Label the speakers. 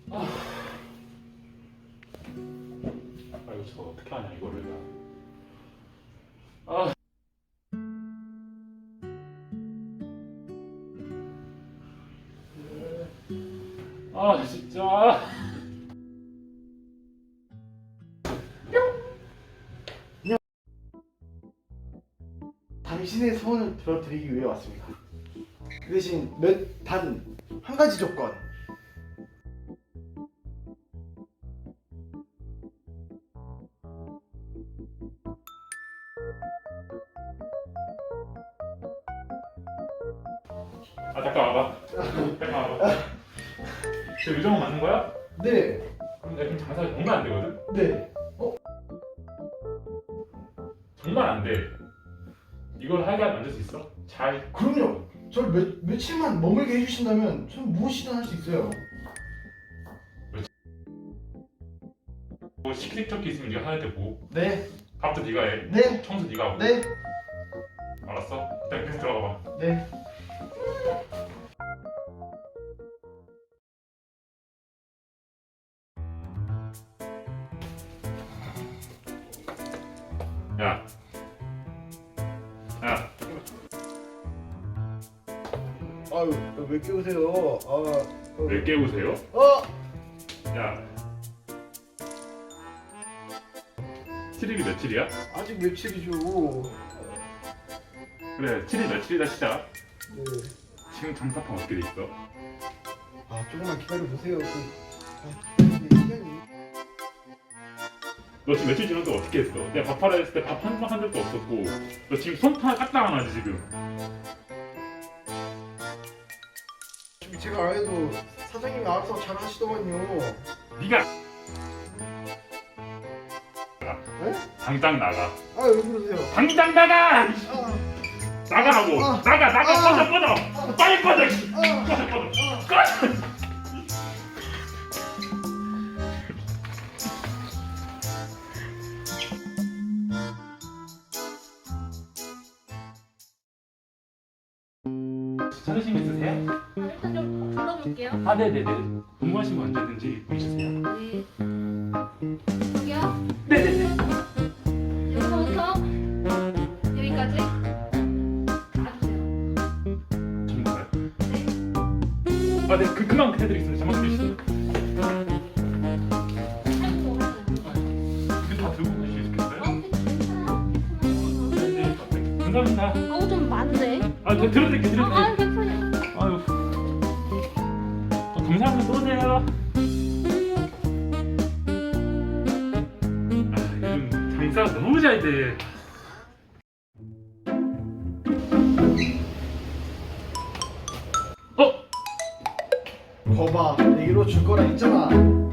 Speaker 1: 이거 저거 어떻게 하냐 이거를. 아. 아 진짜.
Speaker 2: 당신의 소원을 들어드리기 위해 왔습니다. 그 대신 단 한 가지 조건.
Speaker 1: 아 잠깐 와봐. 잠깐 와봐. 저 요정은 맞는 거야?
Speaker 2: 네.
Speaker 1: 그럼 내가 지금 장사가 정말 안 되거든?
Speaker 2: 네.
Speaker 1: 정말 안 돼. 이걸 하게 만들 수 있어? 잘.
Speaker 2: 그럼요. 저를 며칠만 머물게 해주신다면 전 무엇이든 할 수 있어요.
Speaker 1: 뭐 시키적기 있으면 네가 하는데 뭐.
Speaker 2: 네.
Speaker 1: 밥도 네가 해.
Speaker 2: 네.
Speaker 1: 청소 네가 하고.
Speaker 2: 네.
Speaker 1: 알았어. 일단 계속 들어가 봐.
Speaker 2: 네.
Speaker 1: 야. 야.
Speaker 2: 아유, 왜 깨우세요?
Speaker 1: 왜 깨우세요? 야. 7일이 며칠이야?
Speaker 2: 아직 며칠이죠.
Speaker 1: 그래 7일 며칠이다 시작.
Speaker 2: 네.
Speaker 1: 지금 장사판 어떻게 돼 있어?
Speaker 2: 조금만 기다려 보세요. 시간이.
Speaker 1: 너 지금 며칠 지났는데 어떻게 했어? 내가 밥하라 했을 때 밥 한 번 한 적도 없었고 너 지금 손 까딱 안 하지 지금.
Speaker 2: 제가 안 해도 사장님이 알아서 잘 하시더만요.
Speaker 1: 네가
Speaker 2: 네?
Speaker 1: 당장 나가.
Speaker 2: 왜 그러세요?
Speaker 1: 당장 나가! 나가라고!
Speaker 2: 아.
Speaker 1: 나가! 꺼져! 빨리 꺼져! 꺼져! 찾으신 거 있으세요?
Speaker 3: 일단 좀 불러볼게요.
Speaker 1: 아 네네네. 궁금하신 거 언제든지 보내주세요.
Speaker 3: 네. 여기요?
Speaker 1: 네네네.
Speaker 3: 여기서부터 여기까지 가주세요.
Speaker 1: 전부가요?
Speaker 3: 네.
Speaker 1: 아 네. 그만 해드리겠습니다. 잠깐 주시죠.
Speaker 3: 아이고,
Speaker 1: 이거 다 들고 가실 수 있겠어요?
Speaker 3: 괜찮아.
Speaker 1: 네. 감사합니다.
Speaker 3: 좀 많네.
Speaker 1: 들어드릴게요.
Speaker 3: 괜찮아요.
Speaker 1: 아유. 감사합니다. 또 오세요. 요즘 장사가 너무 잘 돼.
Speaker 2: 거봐, 내 이로 줄 거라 했잖아.